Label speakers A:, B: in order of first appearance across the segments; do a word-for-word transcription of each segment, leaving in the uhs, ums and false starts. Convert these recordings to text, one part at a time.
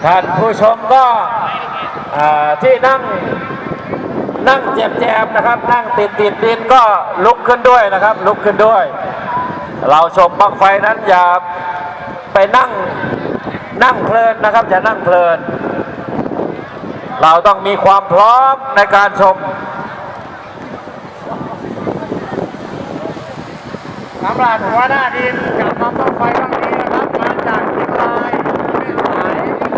A: ท่านผู้ชมก็ที่นั่งนั่งแจมๆนะครับนั่งติดติดดินก็ลุกขึ้นด้วยนะครับลุกขึ้นด้วย เราชมบั้งไฟนั้นอย่าไปนั่งนั่งเพลินนะครับอย่านั่งเพลินเราต้องมีความพร้อมในการชม
B: สำหรับหัวหน้าทีมกับน้องบั้งไฟครั้งนี้นะครับมาจากเชียงรายไม่สาย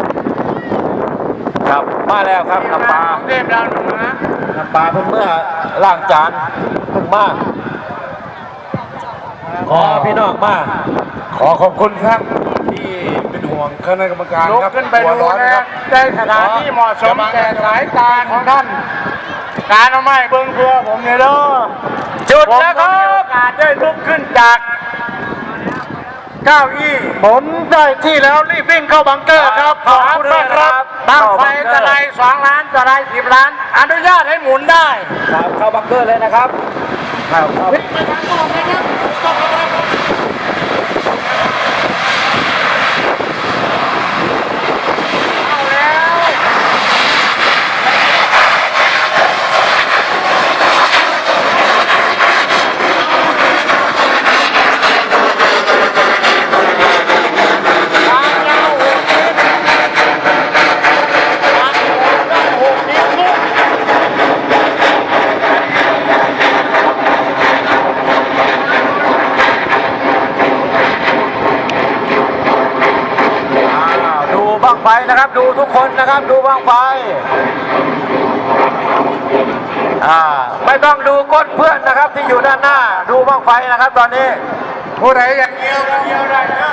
A: ครับมาแล้วครับน้ำปลา
B: เทพดาวเหนือ
A: น้ำปลาเพิ่งเมื่อล่างจานเพิ่งมาขอพี่น้องมา
B: ขอขอบคุณครับ
C: ที่เป็นห่วงคณะกรรมการ
B: ลุกขึ้นไปดูนะได้สถานที่เหมาะสมแต่สายตาของท่านการเอาไม้เบิ้งเพื่อผมเนี่ยเด้อ
A: จุดแล้วครับ
B: โอกาสได้ลุกขึ้นจากเก้าอี้หมุนได้ที่แล้วรีบวิ่งเข้าบังเกอร์ครับขอบคุณมากครับบั้งไฟตะไลสองล้านตะไลสิบล้านอนุญาตให้หมุนได้
A: ครับเข้าบังเกอร์เลยนะครับครับครับ
B: ไปทางนอกนะครับ
A: บั้งไฟนะครับดูทุกคนนะครับดูบั้งไฟอ่าไม่ต้องดูก้นเพื่อนนะครับที่อยู่ด้านหน้าดูบั้งไฟนะครับตอนนี้
B: ผู้ใดอยากเกี่ยวก็เกี่ยวได้นะ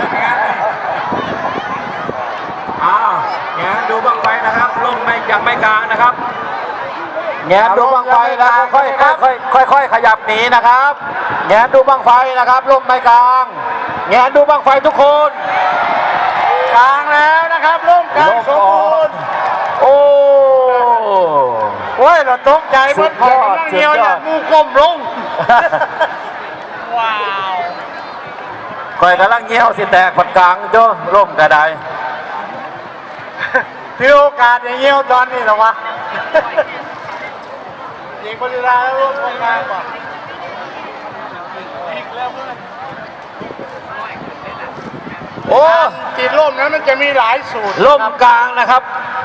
A: อ้าวแงนดูบั้งไฟนะครับลงไม่ยังไม่กลางนะครับแงนดูบั้งไฟแล้วค่อยค่อยค่อยค่อยขยับหนีนะครับแงนดูบั้งไฟนะครับลงไม่กลางแงนดูบั้งไฟทุกคน
B: กลางแล้วนะครับร่มกลางสมบูรณ์
A: โอ้
B: โอ้ยเราตกใจเมื่อกี้นั่งเดียวอย่างงูกลมลงว้าว
A: คอยกำลังเงี้ยวสิแตกผัดกลางจ้ร่มกระได
B: ที่โอกาสอย่างเงี้ยวตอนนี้หรอวะยิงบริลาแล้วร่วมกลางก่อนอีกแล้วเพื่อน
A: โอ้
B: ติดล่มนั้นมันจะมีหลายสูตร
A: ล่มกลางนะครับ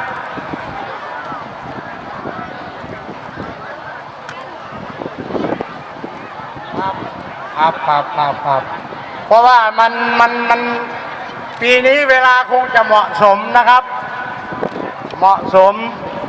B: ครับครับครับครับครับเพราะว่ามันมันมันปีนี้เวลาคงจะเหมาะสมนะครับเหมาะสม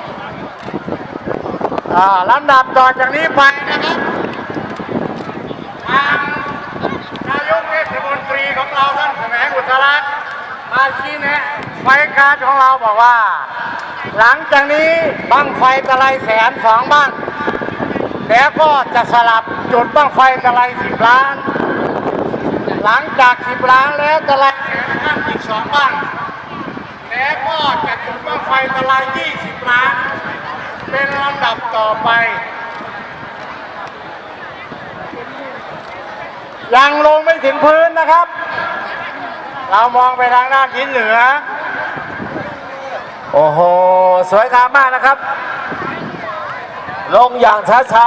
B: อ่าลำดับต่อจากนี้ไปนะครับทางนายกเทศมนตรีของเราท่านแสวงอุตลักษณ์มาชี้แนะไฟการของเราบอกว่าหลังจากนี้บั้งไฟตะไลแสนสองบ้างแล้วก็จะสลับจุดบั้งไฟตะไลสิบล้านหลังจากสิบล้านแล้วตะไลแสนห้าอีกสองบ้างแล้วก็จะจุดบั้งไฟตะไลยี่สิบล้านเป็นลำดับต่อไปยังลงไม่ถึงพื้นนะครับเรามองไปทางด้านทิศเหนือ
A: โอ้โหสวยงามมากนะครับลงอย่างช้า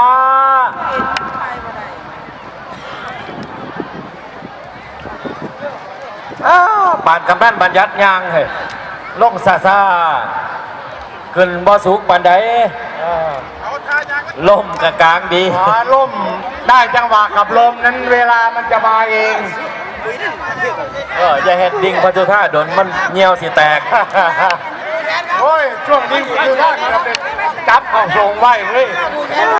A: ๆอ้าวปานกำนันบัญญัติยางเฮ้ยลงซาซาขึ้นบ่สูงปานใดลมกับกลางดี
B: ลมได้จังหวะกับลมนั้นเวลามันจะมาเอง
A: เอออย่าเห็ดดิ่งพัชท่าโดนมันเงี้ยวสิแตก
B: โอ้ยช่วงดิ่งพัชท่าจะเป็นจับของทรงไว้เฮ้ย